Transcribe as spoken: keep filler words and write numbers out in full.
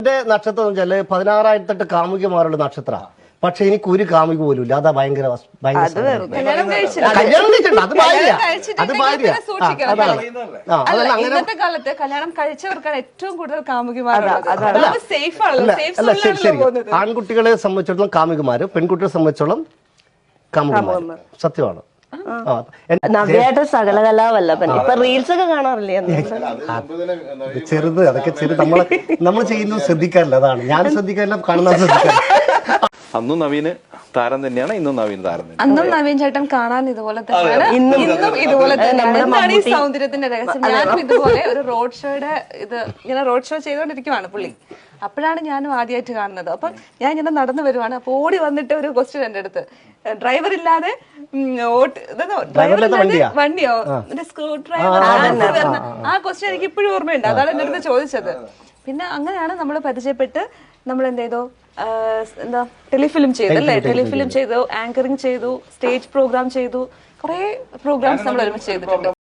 എന്റെ നക്ഷത്രം എന്ന് വെച്ചാല് പതിനാറായിരത്തെട്ട് കാമുകിമാരുള്ള നക്ഷത്ര. പക്ഷെ എനിക്ക് ഒരു കാമുക പോലും ഇല്ല. അതാ ഭയങ്കര കല്യാണം അത് ഭാര്യ അത് ഭാര്യ ഇന്നത്തെ കാലത്ത് കല്യാണം കഴിച്ചവർക്കാണ് ഏറ്റവും കൂടുതൽ കാമുകിമാരുള്ളത്. സേഫ് ആണല്ലോ, സേഫ് സോണിലാണല്ലോ പോകുന്നത്. ആൺകുട്ടികളെ സംബന്ധിച്ചിടത്തോളം കാമുകിമാര്, പെൺകുട്ടികളെ സംബന്ധിച്ചോളം കാമുകിമാർ. സത്യമാണ്. നവ്യായിട്ട് സകലകലാവല്ലഭൻ ഇപ്പൊ റീൽസ് ഒക്കെ കാണാറില്ലേ? ചെറുത് അതൊക്കെ ചെറുത് നമ്മള് നമ്മൾ ചെയ്യുന്നത് ശ്രദ്ധിക്കാറില്ല. അതാണ് ഞാൻ ശ്രദ്ധിക്കാറില്ല, കാണുന്ന ശ്രദ്ധിക്കാറില്ല. അന്നും നവീന് താരം തന്നെയാണ്, ഇന്നും നവീൻ താരം തന്നെ. അന്നും നവീൻ ചേട്ടൻ കാണാൻ ഇതുപോലെ തന്നെയാണ്, ഇന്നും ഇതുപോലെ തന്നെയാണ്. എന്താണ് ഈ സൗന്ദര്യത്തിന്റെ രഹസ്യം? ഞാനും ഇതുപോലെ ഒരു റോഡ് ഷോയുടെ ഇത് ഇങ്ങനെ റോഡ് ഷോ ചെയ്തുകൊണ്ടിരിക്കുവാണ് പുള്ളി. അപ്പോഴാണ് ഞാനും ആദ്യമായിട്ട് കാണുന്നത്. അപ്പൊ ഞാൻ ഇങ്ങനെ നടന്നു വരുവാണ്. അപ്പൊ ഓടി വന്നിട്ട് ഒരു ക്വസ്റ്റ്യൻ എന്റെ അടുത്ത്, ഡ്രൈവർ ഇല്ലാതെ ഡ്രൈവർ ഇല്ലാതെ വണ്ടിയോ സ്ക്രൂ ഡ്രൈവർ ആ ക്വസ്റ്റ്യൻ എനിക്ക് ഇപ്പോഴും ഓർമ്മയുണ്ട്. അതാണ് എന്റെ അടുത്ത് ചോദിച്ചത്. പിന്നെ അങ്ങനെയാണ് നമ്മൾ പരിചയപ്പെട്ട് നമ്മൾ എന്ത് ചെയ്തു, എന്താ ടെലിഫിലിം ചെയ്തു അല്ലേ? ടെലിഫിലിം ചെയ്തു, ആങ്കറിങ് ചെയ്തു, സ്റ്റേജ് പ്രോഗ്രാം ചെയ്തു, കുറെ പ്രോഗ്രാംസ് നമ്മൾ ഒരുമിച്ച് ചെയ്തിട്ടുണ്ട്.